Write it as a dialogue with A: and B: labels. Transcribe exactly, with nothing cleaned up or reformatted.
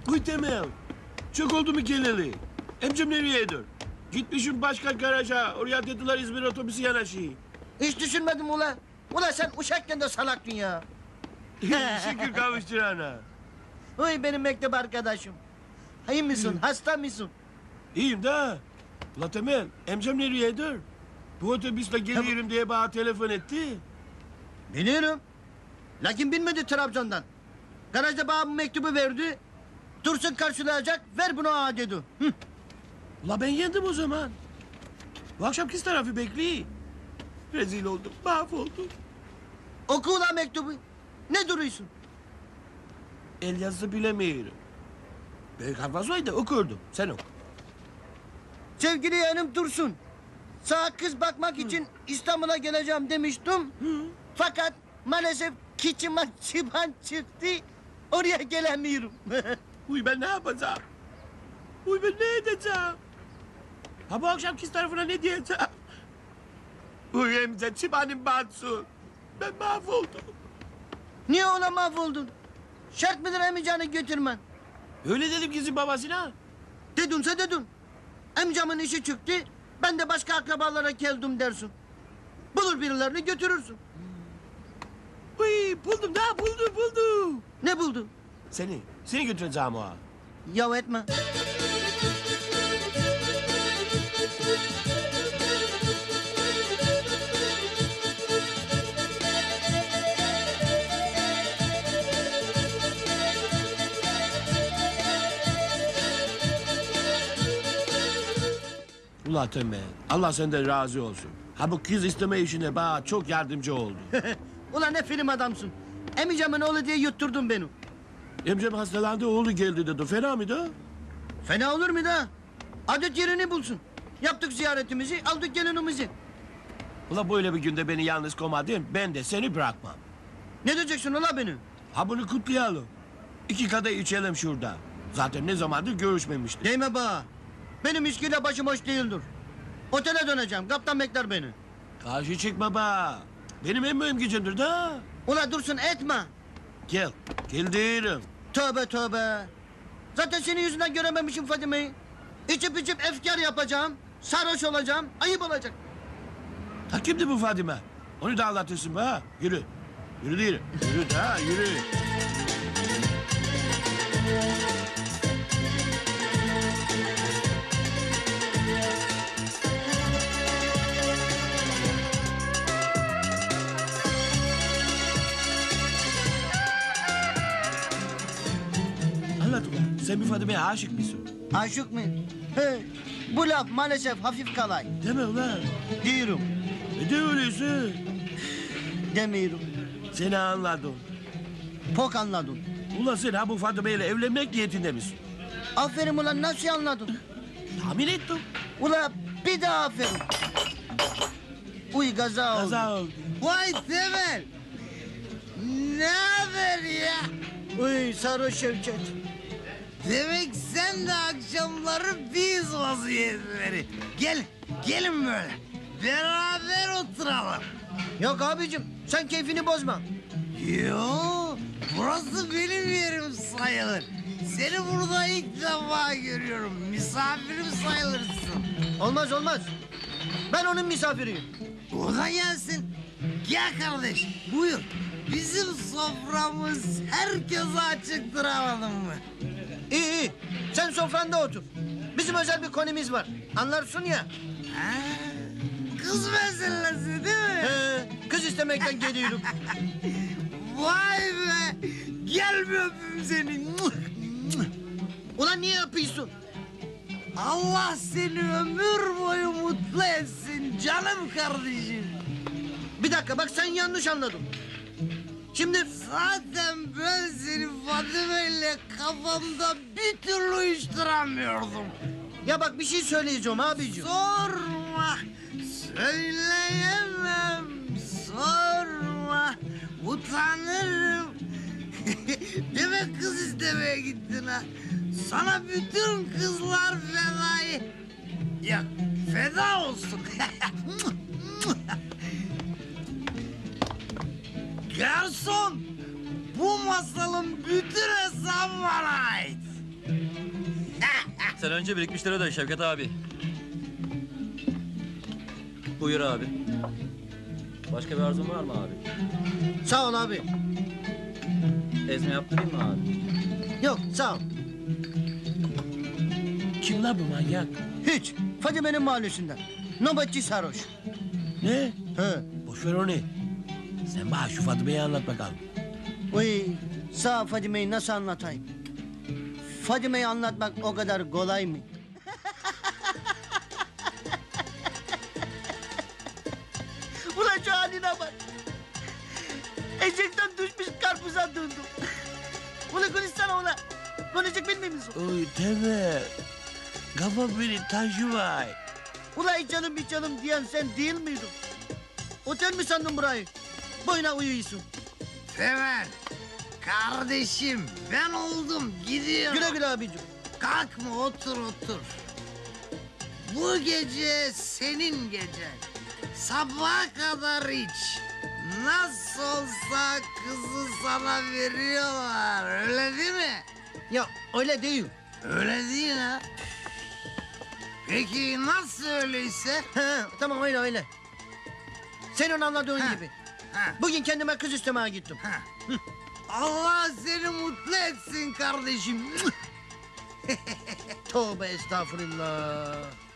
A: Uy Temel. Çok oldu mu geleli? Emcim nereyedir? Gitmişim başka garaja. Oraya dediler İzmir otobüsü yanaşıyor.
B: Hiç düşünmedim ula. Ula sen uşakken de salaktın ya.
A: Şükür kavuşturana.
B: Oy benim mektep arkadaşım. İyi misin? Hasta mısın?
A: İyiyim de. Ula Temel, emcim nereyedir? Bu otobüsle geliyorum diye bana telefon etti.
B: Biliyorum. Lakin bilmedi Trabzon'dan. Garajda bana bu mektubu verdi. Dursun karşılayacak, ver bunu ağa dedi. Hı.
A: Ula ben yendim o zaman. Bu akşam kız tarafı bekliyor. Rezil oldum, mahvoldum.
B: Oku ulan mektubu. Ne duruyorsun?
A: El yazısı bilemiyorum. Büyük hafazaydı okurdum. Sen oku.
B: Sevgili yeğenim Dursun. Sana kız bakmak için İstanbul'a geleceğim demiştim. Fakat maalesef kiçime çıban çıktı. Oraya gelemiyorum.
A: Uy ben ne yapacağım? Uy ben ne edeceğim? Ha bu akşam kız tarafına ne diyeceğim? Uy emce çıbanım batsın. Ben mahvoldum.
B: Niye ona mahvoldun? Şart mıdır emicağını götürmen?
A: Öyle dedim kızın babasına.
B: Dedunsa dedun. Amcamın işi çıktı. Ben de başka akrabalara geldim dersin. Bulur birilerini götürürsün.
A: Uy buldum da buldum buldum.
B: Ne buldun?
A: Seni, seni götüreceğim o.
B: Yav etme.
A: Ula Temel, Allah senden razı olsun. Ha bu kız isteme işine bana çok yardımcı oldu.
B: Ulan ne film adamsın. Emicamın oğlu diye yutturdun beni.
A: Emcem hastalandı oğlu geldi dedi. Fena mıydı?
B: Fena olur mu da? Adet yerini bulsun. Yaptık ziyaretimizi, aldık gelinimizi.
A: Ula böyle bir günde beni yalnız komadın, ben de seni bırakmam.
B: Ne diyeceksin ula beni?
A: Ha bunu kutlayalım. İki kadeh içelim şurada. Zaten ne zamandır görüşmemiştik.
B: Değme bana. Benim içkiyle başım hoş değildir. Otele döneceğim, kaptan bekler beni.
A: Karşı çıkma be. Benim en mühim gücümdür da.
B: Ula dursun etme.
A: Gel, gel diyorum.
B: Tövbe tövbe. Zaten senin yüzünden görememişim Fadime'yi. İçip içip efkar yapacağım. Sarhoş olacağım. Ayıp olacak.
A: Ha kimdi bu Fadime? Onu da anlatırsın be ha. Yürü. Yürü diyorum. Yürü ha yürü. Anlat ulan. Sen bir Fadime'ye aşık mısın?
B: Aşık mı? He. Bu laf maalesef hafif kalay.
A: Deme ulan.
B: Diyorum.
A: E de öyleyse.
B: Demiyorum.
A: Seni anladım.
B: Pok anladın.
A: Ulan sen ha bu Fadime ile evlenmek niyetinde misin?
B: Aferin ulan nasıl anladın?
A: Tahmin ettim.
B: Ula bir daha aferin. Uy gaza oldu.
A: Kaza oldu.
C: Vay Temel! Ne haber ya?
B: Uy sarhoş Şevket.
C: Demek sen de akşamları biz vaziyetleri. Gel, gelin böyle. Beraber oturalım.
B: Yok abicim sen keyfini bozma.
C: Yo, burası benim yerim sayılır. Seni burada ilk defa görüyorum. Misafirim sayılırsın.
B: Olmaz olmaz. Ben onun misafiriyim.
C: O da gelsin. Gel kardeş, buyur. Bizim soframız herkese açıktır, anladın mı?
B: İyi iyi. Sen sofranda otur. Bizim özel bir konumuz var. Anlarsın ya.
C: Ha, kız meselesi değil mi?
B: He, kız istemekten geliyorum.
C: Vay be! Gel bir öpeyim seni.
B: Ulan niye yapıyorsun?
C: Allah seni ömür boyu mutlu etsin canım kardeşim.
B: Bir dakika bak sen yanlış anladın. Şimdi
C: Zaten ben seni Fadime ile kafamda bir türlü uyuşturamıyordum.
B: ya bak bir şey söyleyeceğim abicim.
C: Sorma, söyleyemem, sorma, utanırım. Demek kız istemeye gittin ha. Sana bütün kızlar fedai. Ya feda olsun. Garson, bu masalın bütün hesabı bana ait.
D: Sen önce birikmişleri öde Şevket abi. Buyur abi. Başka bir arzun var mı abi?
B: Sağ ol abi.
D: Ezme yaptırayım mı abi?
B: Yok sağ ol.
A: Kim la bu manyak?
B: Hiç. Fadime'nin mahallesinden. Nöbetçi sarhoş.
A: Ne?
B: He.
A: Boş ver onu. Sen bana şu Fadime'yi anlat bakalım.
B: Uy, sağ Fadime'yi nasıl anlatayım? Fadime'yi anlatmak o kadar kolay mı? Ulan şu haline bak. Eşekten düşmüş karpuza döndüm. Ulan konuşsana ulan. Konuşacak bilmiyor musun?
A: Oy Temel. Kafa beni taşı var.
B: Ulan canım bir canım diyen sen değil miydin? Otel mi sandın burayı? Boyuna uyuyorsun.
C: Temel. Kardeşim ben oldum gidiyorum.
B: Güle güle abicim.
C: Kalkma otur otur. Bu gece senin gecen. Sabaha kadar iç. Nasıl olsa kızı sana veriyorlar öyle değil mi?
B: Ya öyle değil.
C: Öyle değil ha. Peki nasıl öyleyse?
B: He, tamam öyle öyle. Senin anladığın
C: Ha.
B: gibi.
C: Ha,
B: Bugün kendime kız istemeye gittim.
C: ha. Allah seni mutlu etsin kardeşim.
B: Tövbe estağfurullah.